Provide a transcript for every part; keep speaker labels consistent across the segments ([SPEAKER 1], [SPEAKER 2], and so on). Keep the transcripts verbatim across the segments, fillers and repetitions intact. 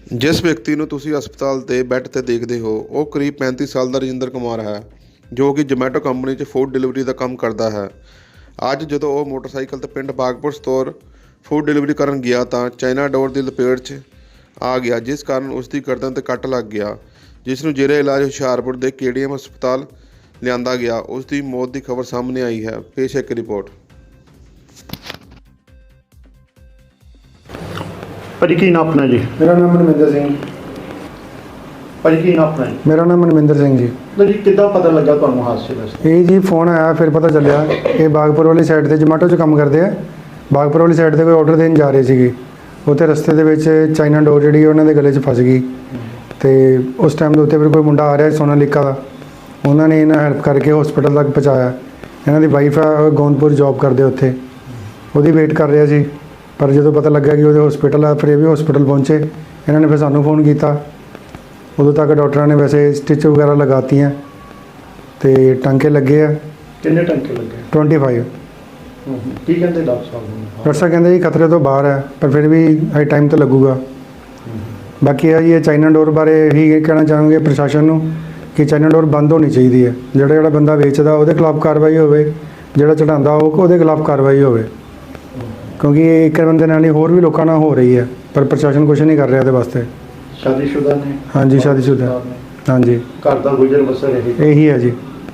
[SPEAKER 1] ਜਿਸ ਵਿਅਕਤੀ ਨੂੰ ਤੁਸੀਂ ਹਸਪਤਾਲ ਦੇ ਬੈੱਡ 'ਤੇ ਦੇਖਦੇ ਹੋ ਉਹ ਕਰੀਬ ਪੈਂਤੀ ਸਾਲ ਦਾ ਰਜਿੰਦਰ ਕੁਮਾਰ ਹੈ, ਜੋ ਕਿ ਜੋਮੈਟੋ ਕੰਪਨੀ 'ਚ ਫੂਡ ਡਿਲੀਵਰੀ ਦਾ ਕੰਮ ਕਰਦਾ ਹੈ। ਅੱਜ ਜਦੋਂ ਉਹ ਮੋਟਰਸਾਈਕਲ 'ਤੇ ਪਿੰਡ ਬਾਗਪੁਰ ਸਟੋਰ ਫੂਡ ਡਿਲੀਵਰੀ ਕਰਨ ਗਿਆ ਤਾਂ ਚਾਈਨਾ ਡੋਰ ਦੀ ਲਪੇਟ 'ਚ ਆ ਗਿਆ, ਜਿਸ ਕਾਰਨ ਉਸ ਦੀ ਗਰਦਨ 'ਤੇ ਕੱਟ ਲੱਗ ਗਿਆ, ਜਿਸ ਨੂੰ ਜ਼ੇਰੇ ਇਲਾਜ ਹੁਸ਼ਿਆਰਪੁਰ ਦੇ ਕੇ ਡੀ ਐਮ ਹਸਪਤਾਲ ਲਿਆਂਦਾ ਗਿਆ। ਉਸ ਦੀ ਮੌਤ ਦੀ ਖਬਰ ਸਾਹਮਣੇ ਆਈ ਹੈ। ਪੇਸ਼ ਹੈ ਇੱਕ ਰਿਪੋਰਟ।
[SPEAKER 2] ਭਾਜੀ ਕੀ ਨਾਮ ਆਪਣਾ ਜੀ?
[SPEAKER 3] ਮੇਰਾ ਨਾਮ ਮਨਮਿੰਦਰ ਸਿੰਘ।
[SPEAKER 2] ਭਾਜੀ ਕੀ ਨਾਮ ਆਪਣਾ ਜੀ?
[SPEAKER 3] ਮੇਰਾ ਨਾਮ ਮਨਮਿੰਦਰ ਸਿੰਘ ਜੀ।
[SPEAKER 2] ਤਾਂ ਜੀ ਕਿੱਦਾਂ ਪਤਾ ਲੱਗਾ ਤੁਹਾਨੂੰ ਹਾਦਸੇ ਦਾ?
[SPEAKER 3] ਇਹ ਜੀ ਫੋਨ ਆਇਆ, ਫਿਰ ਪਤਾ ਚੱਲਿਆ ਇਹ ਬਾਗਪੁਰ ਵਾਲੀ ਸਾਈਡ ਤੇ ਜੋਮੈਟੋ 'ਚ ਕੰਮ ਕਰਦੇ ਆ। ਬਾਗਪੁਰ ਵਾਲੀ ਸਾਈਡ ਤੇ ਕੋਈ ਆਰਡਰ ਦੇਣ ਜਾ ਰਹੇ ਸੀਗੇ, ਉੱਥੇ ਰਸਤੇ ਦੇ ਵਿੱਚ ਚਾਈਨਾ ਡੋਰ ਜਿਹੜੀ ਉਹਨਾਂ ਦੇ ਗਲੇ 'ਚ ਫਸ ਗਈ ਤੇ ਉਸ ਟਾਈਮ ਦੇ ਉੱਤੇ ਫਿਰ ਕੋਈ ਮੁੰਡਾ ਆ ਰਿਹਾ ਸੋਨਾਲੀਕਾ ਦਾ, ਉਹਨਾਂ ਨੇ ਇਹਨਾਂ ਹੈਲਪ ਕਰਕੇ ਹਸਪੀਟਲ ਤੱਕ ਪਹੁੰਚਾਇਆ। ਇਹਨਾਂ ਦੀ ਵਾਈਫ ਆ ਗੋਂਦਪੁਰ ਜੌਬ ਕਰਦੇ ਉੱਥੇ, ਉਹਦੀ ਵੇਟ ਕਰ ਰਿਹਾ ਸੀ, ਪਰ ਜਦੋਂ ਪਤਾ ਲੱਗਾ ਕਿ ਉਹਦੇ ਹਸਪੀਟਲ ਆ ਫਿਰ ਇਹ ਵੀ ਹਸਪੀਟਲ ਪਹੁੰਚੇ। ਇਹਨਾਂ ਨੇ ਫਿਰ ਸਾਨੂੰ ਫੋਨ ਕੀਤਾ। ਉਦੋਂ ਤੱਕ ਡਾਕਟਰਾਂ ਨੇ ਵੈਸੇ ਸਟਿਚ ਵਗੈਰਾ ਲਗਾਤੀਆਂ ਤੇ ਟਾਂਕੇ ਲੱਗੇ ਆ।
[SPEAKER 2] ਕਿੰਨੇ ਟੰਕੇ ਲੱਗੇ?
[SPEAKER 3] ਪੱਚੀ।
[SPEAKER 2] ਕੀ ਕਹਿੰਦੇ ਡਾਕਟਰ ਸਾਹਿਬ ਨੂੰ?
[SPEAKER 3] ਡਾਕਟਰ ਸਾਹਿਬ ਕਹਿੰਦੇ ਜੀ ਖਤਰੇ ਤੋਂ ਬਾਹਰ ਹੈ, ਪਰ ਫਿਰ ਵੀ ਹਾਈ ਟਾਈਮ ਤਾਂ ਲੱਗੂਗਾ। ਬਾਕੀ ਇਹ ਜੀ ਇਹ ਚਾਈਨਾ ਡੋਰ ਬਾਰੇ ਇਹੀ ਕਹਿਣਾ ਚਾਹਾਂਗੇ ਪ੍ਰਸ਼ਾਸਨ ਨੂੰ ਕਿ ਚਾਈਨਾ ਡੋਰ ਬੰਦ ਹੋਣੀ ਚਾਹੀਦੀ ਹੈ। ਜਿਹੜਾ ਜਿਹੜਾ ਬੰਦਾ ਵੇਚਦਾ ਉਹਦੇ ਖਿਲਾਫ ਕਾਰਵਾਈ ਹੋਵੇ, ਜਿਹੜਾ ਚੜਾਉਂਦਾ ਉਹ ਉਹਦੇ ਖਿਲਾਫ ਕਾਰਵਾਈ ਹੋਵੇ, ਕਿਉਂਕਿ ਇਹ ਇੱਕ ਬੰਦੇ ਨਾਲ ਹੀ ਹੋਰ ਵੀ ਲੋਕਾਂ ਨਾਲ ਹੋ ਰਹੀ ਹੈ, ਪਰ ਪ੍ਰਸ਼ਾਸਨ ਕੁਛ ਨਹੀਂ ਕਰ ਰਿਹਾ ਇਹਦੇ ਵਾਸਤੇ।
[SPEAKER 2] ਸ਼ਾਦੀशुदा ਨੇ?
[SPEAKER 3] ਹਾਂਜੀ ਸ਼ਾਦੀशुदा। ਹਾਂਜੀ
[SPEAKER 2] ਘਰ ਦਾ ਗੁਜ਼ਰ ਬਸਰ ਇਹੀ
[SPEAKER 3] ਇਹੀ ਹੈ ਜੀ।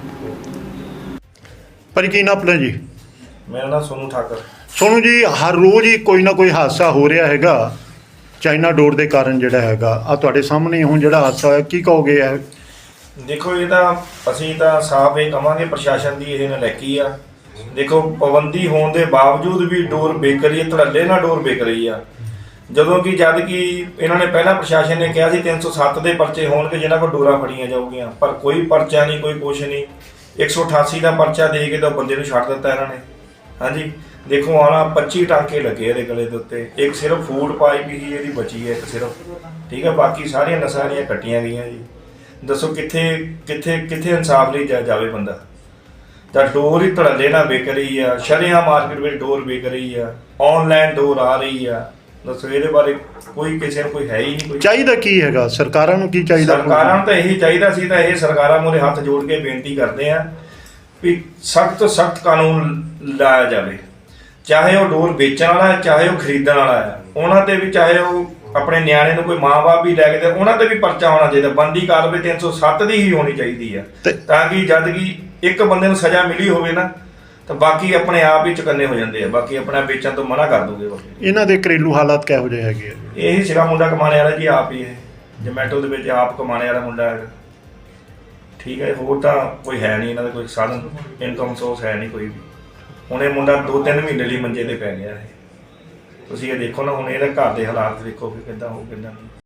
[SPEAKER 2] ਭਾਜੀ ਕੀ ਨਾਮ ਆਪਣਾ ਜੀ?
[SPEAKER 4] ਮੇਰਾ ਨਾਮ ਸੋਨੂ ਠਾਕਰ।
[SPEAKER 2] ਸੋਨੂੰ ਜੀ, ਹਰ ਰੋਜ਼ ਹੀ ਕੋਈ ਨਾ ਕੋਈ ਹਾਦਸਾ ਹੋ ਰਿਹਾ ਹੈਗਾ ਚਾਈਨਾ ਡੋਰ ਦੇ ਕਾਰਨ ਜਿਹੜਾ ਹੈਗਾ। ਆ ਤੁਹਾਡੇ ਸਾਹਮਣੇ ਹੁਣ ਜਿਹੜਾ ਹਾਦਸਾ ਹੋਇਆ, ਕੀ ਕਹੋਗੇ? ਹੈ
[SPEAKER 4] ਦੇਖੋ, ਇਹ ਤਾਂ ਅਸੀਂ ਤਾਂ ਸਾਫ਼ ਇਹ ਕਵਾਂਗੇ ਪ੍ਰਸ਼ਾਸਨ ਦੀ ਇਹ ਨਲਾਇਕੀ ਆ। ਦੇਖੋ, ਪਾਬੰਦੀ ਹੋਣ ਦੇ ਬਾਵਜੂਦ ਵੀ ਡੋਰ ਵਿਕ ਰਹੀ ਹੈ, ਧੜੱਲੇ ਨਾਲ ਡੋਰ ਵਿਕ ਰਹੀ ਆ। ਜਦੋਂ ਕਿ ਜਦ ਕਿ ਇਹਨਾਂ ਨੇ ਪਹਿਲਾਂ ਪ੍ਰਸ਼ਾਸਨ ਨੇ ਕਿਹਾ ਸੀ ਤਿੰਨ ਸੌ ਸੱਤ ਦੇ ਪਰਚੇ ਹੋਣਗੇ ਜਿਨ੍ਹਾਂ ਕੋਲ ਡੋਰਾਂ ਫੜੀਆਂ ਜਾਊਗੀਆਂ, ਪਰ ਕੋਈ ਪਰਚਾ ਨਹੀਂ, ਕੋਈ ਕੁਛ ਨਹੀਂ। ਇੱਕ ਸੌ ਅਠਾਸੀ ਦਾ ਪਰਚਾ ਦੇ ਕੇ ਤਾਂ ਬੰਦੇ ਨੂੰ ਛੱਡ ਦਿੱਤਾ ਇਹਨਾਂ ਨੇ। ਹਾਂਜੀ, ਦੇਖੋ ਆਣਾ ਪੱਚੀ ਟਾਂਕੇ ਲੱਗੇ ਇਹਦੇ ਗਲੇ ਦੇ ਉੱਤੇ। ਇੱਕ ਸਿਰਫ ਫੂਡ ਪਾਈਪ ਹੀ ਇਹਦੀ ਬਚੀ ਹੈ, ਇੱਕ ਸਿਰਫ, ਠੀਕ ਹੈ। ਬਾਕੀ ਸਾਰੀਆਂ ਨਸਾਂ ਦੀਆਂ ਕੱਟੀਆਂ ਗਈਆਂ ਜੀ। ਦੱਸੋ ਕਿੱਥੇ ਕਿੱਥੇ ਕਿੱਥੇ ਇਨਸਾਫ ਲਈ ਜਾ ਜਾਵੇ ਬੰਦਾ? ਤਾਂ ਡੋਰ ਹੀ ਧੜੱਲੇ ਨਾਲ ਵਿਕ ਰਹੀ ਆ, ਸ਼ਰੇਆਮ ਮਾਰਕੀਟ ਵਿੱਚ ਡੋਰ ਵਿਕ ਰਹੀ ਆ, ਆਨਲਾਈਨ ਡੋਰ ਆ ਰਹੀ ਆ। ਦੱਸੋ ਇਹਦੇ ਬਾਰੇ ਕੋਈ ਕਿਸੇ ਨੂੰ ਕੋਈ ਹੈ ਹੀ ਨਹੀਂ। ਕੋਈ
[SPEAKER 2] ਚਾਹੀਦਾ ਕੀ ਹੈਗਾ? ਸਰਕਾਰਾਂ ਨੂੰ ਕੀ ਚਾਹੀਦਾ?
[SPEAKER 4] ਸਰਕਾਰਾਂ ਨੂੰ ਤਾਂ ਇਹੀ ਚਾਹੀਦਾ ਸੀ, ਤਾਂ ਇਹ ਸਰਕਾਰਾਂ ਮੂਹਰੇ ਹੱਥ ਜੋੜ ਕੇ ਬੇਨਤੀ ਕਰਦੇ ਆ ਵੀ ਸਖਤ ਤੋਂ ਸਖਤ ਕਾਨੂੰਨ ਲਾਇਆ ਜਾਵੇ। ਚਾਹੇ ਉਹ ਡੋਰ ਵੇਚਣ ਵਾਲਾ ਹੈ, ਚਾਹੇ ਉਹ ਖਰੀਦਣ ਵਾਲਾ ਹੈ, ਉਹਨਾਂ ਤੇ ਵੀ, ਚਾਹੇ ਉਹ ਆਪਣੇ ਨਿਆਣੇ ਨੂੰ ਕੋਈ ਮਾਂ-ਬਾਪ ਵੀ ਲੈ ਕੇ ਦੇ, ਉਹਨਾਂ ਤੇ ਵੀ ਪਰਚਾ ਹੋਣਾ ਚਾਹੀਦਾ। ਬੰਦੀ ਕਾਰਵਾਈ ਤਿੰਨ ਸੌ ਸੱਤ ਦੀ ਹੀ ਹੋਣੀ ਚਾਹੀਦੀ ਹੈ, ਤਾਂ ਕਿ ਜਦ ਕਿ ਇੱਕ ਬੰਦੇ ਨੂੰ ਸਜ਼ਾ ਮਿਲੀ ਹੋਵੇ ਨਾ, ਤਾਂ ਬਾਕੀ ਆਪਣੇ ਆਪ ਹੀ ਚੁਕੰਨੇ ਹੋ ਜਾਂਦੇ ਆ, ਬਾਕੀ ਆਪਣਾ ਵੇਚਣ ਤੋਂ ਮਨਾ ਕਰ ਦੋਗੇ।
[SPEAKER 2] ਇਹਨਾਂ ਦੇ ਘਰੇਲੂ ਹਾਲਾਤ ਕਿਹੋ ਜਿਹੇ ਹੈਗੇ ਆ?
[SPEAKER 4] ਇਹੀ ਸਿਰਾ ਮੁੰਡਾ ਕਮਾਣੇ ਵਾਲਾ ਜੀ, ਆਪ ਹੀ ਇਹ ਜੋਮੈਟੋ ਦੇ ਵਿੱਚ ਆਪ ਕਮਾਣੇ ਵਾਲਾ ਮੁੰਡਾ ਹੈਗਾ, ਠੀਕ ਹੈ। ਹੋਰ ਤਾਂ ਕੋਈ ਹੈ ਨਹੀਂ ਇਹਨਾਂ ਦਾ, ਕੋਈ ਸਾਧਨ ਇਨਕਮ ਸੋਰਸ ਹੈ ਨਹੀਂ ਕੋਈ ਵੀ। ਹੁਣ ਇਹ ਮੁੰਡਾ ਦੋ ਤਿੰਨ ਮਹੀਨੇ ਲਈ ਮੰਜੇ ਤੇ ਪੈ ਗਿਆ ਹੈ। ਤੁਸੀਂ ਇਹ ਦੇਖੋ ਨਾ, ਹੁਣ ਇਹਦੇ ਘਰ ਦੇ ਹਾਲਾਤ ਦੇਖੋ ਕਿ ਕਿੱਦਾਂ ਹੋ ਕਿੱਦਾਂ ਨਹੀਂ।